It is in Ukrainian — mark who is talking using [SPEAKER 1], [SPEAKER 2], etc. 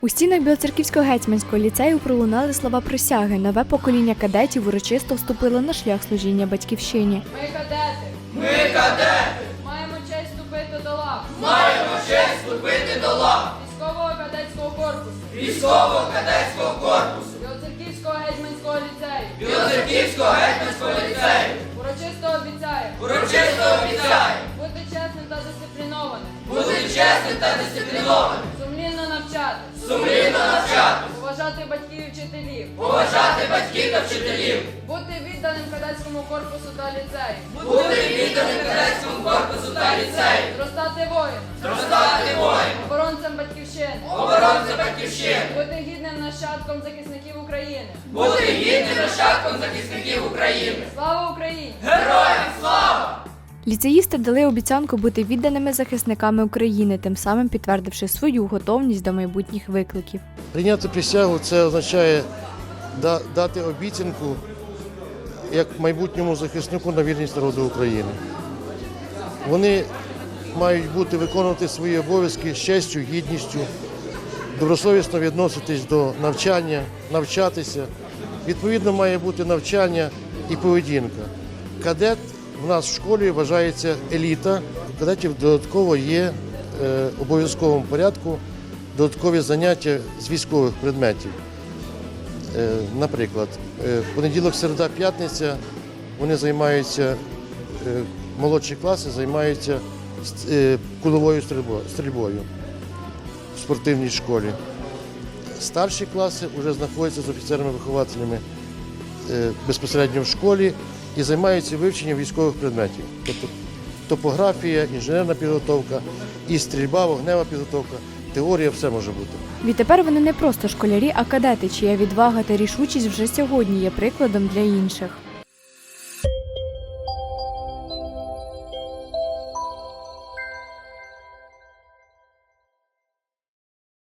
[SPEAKER 1] У стінах Білоцерківського гетьманського ліцею пролунали слова присяги. Нове покоління кадетів урочисто вступило на шлях служіння батьківщині.
[SPEAKER 2] Ми кадети!
[SPEAKER 3] Ми кадети!
[SPEAKER 2] Маємо честь вступити до лав!
[SPEAKER 3] Маємо честь вступити до лав
[SPEAKER 2] Військового кадетського корпусу!
[SPEAKER 3] Військового кадетського корпусу
[SPEAKER 2] Білоцерківського гетьманського ліцею!
[SPEAKER 3] Білоцерківського гетьманського ліцею
[SPEAKER 2] Урочисто обіцяю!
[SPEAKER 3] урочисто обіцяю
[SPEAKER 2] Бути чесним та дисциплінованим!
[SPEAKER 3] бути чесним та дисциплінованим,
[SPEAKER 2] Сумлінно навчати!
[SPEAKER 3] сумлінно навчати,
[SPEAKER 2] Поважати батьків і вчителів!
[SPEAKER 3] поважати батьків та вчителів,
[SPEAKER 2] Бути відданим кадетському корпусу та ліцею!
[SPEAKER 3] бути відданим кадетському корпусу та ліцею,
[SPEAKER 2] Зростати воїном!
[SPEAKER 3] зростати воїном,
[SPEAKER 2] Оборонцем батьківщини!
[SPEAKER 3] оборонцем батьківщини,
[SPEAKER 2] Бути гідним нащадком захисників України!
[SPEAKER 3] бути гідним нащадком захисників України.
[SPEAKER 2] Слава Україні!
[SPEAKER 3] Героям слава!
[SPEAKER 1] Ліцеїсти дали обіцянку бути відданими захисниками України, тим самим підтвердивши свою готовність до майбутніх викликів.
[SPEAKER 4] Прийняти присягу – це означає дати обіцянку як майбутньому захиснику на вірність народу України. Вони мають виконувати свої обов'язки з честю, гідністю, добросовісно відноситись до навчання, навчатися. Відповідно, має бути навчання і поведінка. Кадет в нас в школі вважається еліта. У кадетів додатково є в обов'язковому порядку додаткові заняття з військових предметів. Наприклад, понеділок, середа, п'ятниця вони займаються, молодші класи займаються куловою стрільбою в спортивній школі. Старші класи вже знаходяться з офіцерами-вихователями безпосередньо в школі і займаються вивченням військових предметів. Тобто топографія, інженерна підготовка, і стрільба, вогнева підготовка, теорія, все може бути.
[SPEAKER 1] Відтепер вони не просто школярі, а кадети, чия відвага та рішучість вже сьогодні є прикладом для інших.